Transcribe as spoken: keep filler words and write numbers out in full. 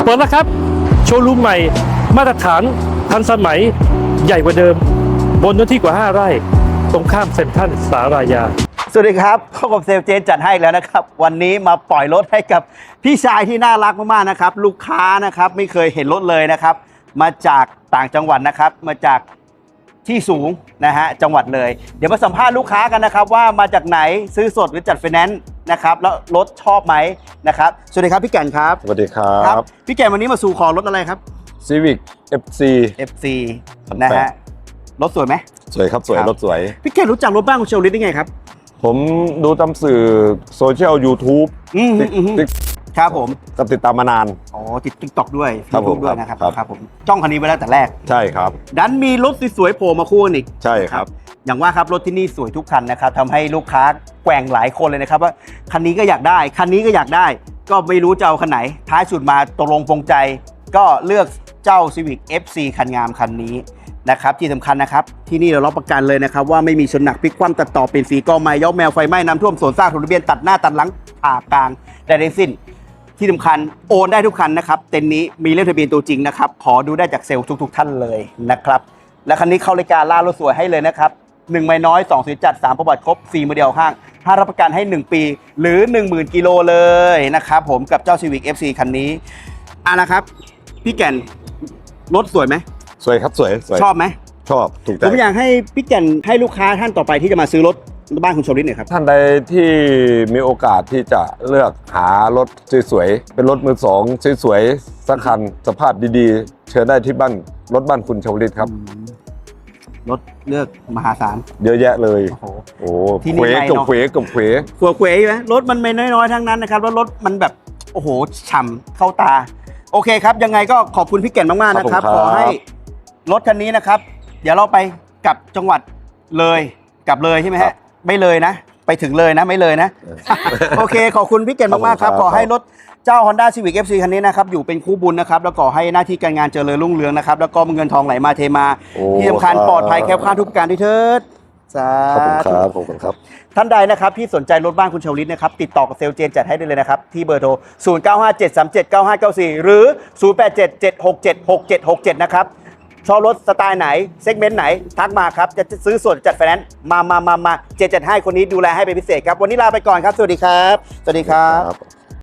ปิดแล้วครับโชว์รูมใหม่มาตรฐานทันสมัยใหญ่กว่าเดิมบนเนื้อที่กว่าห้าไร่ตรงข้ามเซ็นทรัลสารายาสวัสดีครับพบกับเซลเจนจัดให้แล้วนะครับวันนี้มาปล่อยรถให้กับพี่ชายที่น่ารักมากๆนะครับลูกค้านะครับไม่เคยเห็นรถเลยนะครับมาจากต่างจังหวัดนะครับมาจากที่สูงนะฮะจังหวัดเลยเดี๋ยวมาสัมภาษณ์ลูกค้ากันนะครับว่ามาจากไหนซื้อสดหรือจัดไฟแนนซ์นะครับแล้วรถชอบไหมนะครับสวัสดีครับพี่แก่นครับสวัสดีครับพี่แก่นวันนี้มาสู่ขอรถอะไรครับ Civic เอฟ ซีเอฟ ซี นะฮะรถสวยไหมสวยครับสวยรถสวยพี่แก่นรู้จักรถบ้านคุณเชลลิตได้ไงครับผมดูตามสื่อโซเชียล YouTube อืมครับผมก็ติดตามมานานอ๋อติดติ๊กต็อกด้วยครับผมด้วยนะครับครับผมจ้องคันนี้ไว้แล้วแต่แรกใช่ครับดันมีรถสวยๆโผล่มาคู่อีกใช่ครับอย่างว่าครับรถที่นี่สวยทุกคันนะครับทำให้ลูกค้าแกว่งหลายคนเลยนะครับว่าคันนี้ก็อยากได้คันนี้ก็อยากได้ก็ไม่รู้จะเอาคันไหนท้ายสุดมาตกลงปรงใจก็เลือกเจ้า Civic เอฟ ซี คันงามคันนี้นะครับที่สำคัญนะครับที่นี่เรารับประกันเลยนะครับว่าไม่มีชนหนักพลิกคว่ำตัดต่อเป็นสีกอไม้ยกแมวไฟไหม้น้ำท่วมสวนซากถูกระเบียนตัดหน้าตัดหลังผ่ากลางได้ทั้งสิ้นที่สำคัญโอนได้ทุกคันนะครับเต็นท์นี้มีเลขทะเบียนตัวจริงนะครับขอดูได้จากเซลล์ทุกๆท่านเลยนะครับและคันนี้เข้ารายการล่ารถสวยให้เลยนะครับหนึ่งไม่น้อยสองสวยจัดสามประวัติครบสี่โมเดลข้างห้ารับประกันให้หนึ่งปีหรือ หนึ่งหมื่น กิโลเลยนะครับผมกับเจ้า Civic เอฟ ซี คันนี้อ่ะนะครับพี่แก่นรถสวยไหมสวยครับสวยสวยชอบไหมชอบถูกใจผมอยากให้พี่แก่นให้ลูกค้าท่านต่อไปที่จะมาซื้อรถบ้านคุณชลลิตหน่อยครับท่านใดที่มีโอกาสที่จะเลือกหารถสวยๆเป็นรถมือสองสวยๆสักคันสภาพดีๆเชิญได้ที่บ้านรถบ้านคุณชลลิตครับรถเลือกมหาศาลเยอะแยะเลยโอ้โหโอ้ที่นี่ไม่เนาะเขวกับเขวขัวเขวไหมรถมันไม่น้อยๆทั้งนั้นนะครับแล้วรถมันแบบโอ้โหฉ่ำเข้าตาโอเคครับยังไงก็ขอบคุณพี่แก่นมากๆนะครับขอให้รถคันนี้นะครับเดี๋ยวเราไปกลับจังหวัดเลยกลับเลยใช่ไหมฮะไม่เลยนะไปถึงเลยนะไม่เลยนะโอเคขอบคุณพี่แก่นมากๆครับขอให้รถเจ้า Honda Civic เอฟ ซี คันนี้นะครับอยู่เป็นคู่บุญนะครับแล้วก็ให้หน้าที่การงานเจริญรุ่งเรืองนะครับแล้วก็เงินทองไหลมาเทมาที่สำคัญปลอดภัยแคล้วคลาดทุกประการด้วยเถิดสาธุครับขอบคุณครับท่านใดนะครับที่สนใจรถบ้านคุณชลลิตนะครับติดต่อกับเซลล์เจนจัดให้ได้เลยนะครับที่เบอร์โทรศูนย์ เก้า ห้า เจ็ด สาม เจ็ด เก้า ห้า เก้า สี่หรือศูนย์ แปด เจ็ด เจ็ด หก เจ็ด หก เจ็ด หก เจ็ดนะครับชอบรถสไตล์ไหนเซกเมนต์ไหนทักมาครับจะซื้อส่วนจัดไฟแนนซ์มามามามาเจนจัดให้คนนี้ดูแลให้เป็นพิเศษครับวันนี้ลาไปก่อนครับสวัสดีครับสวัสดีครับ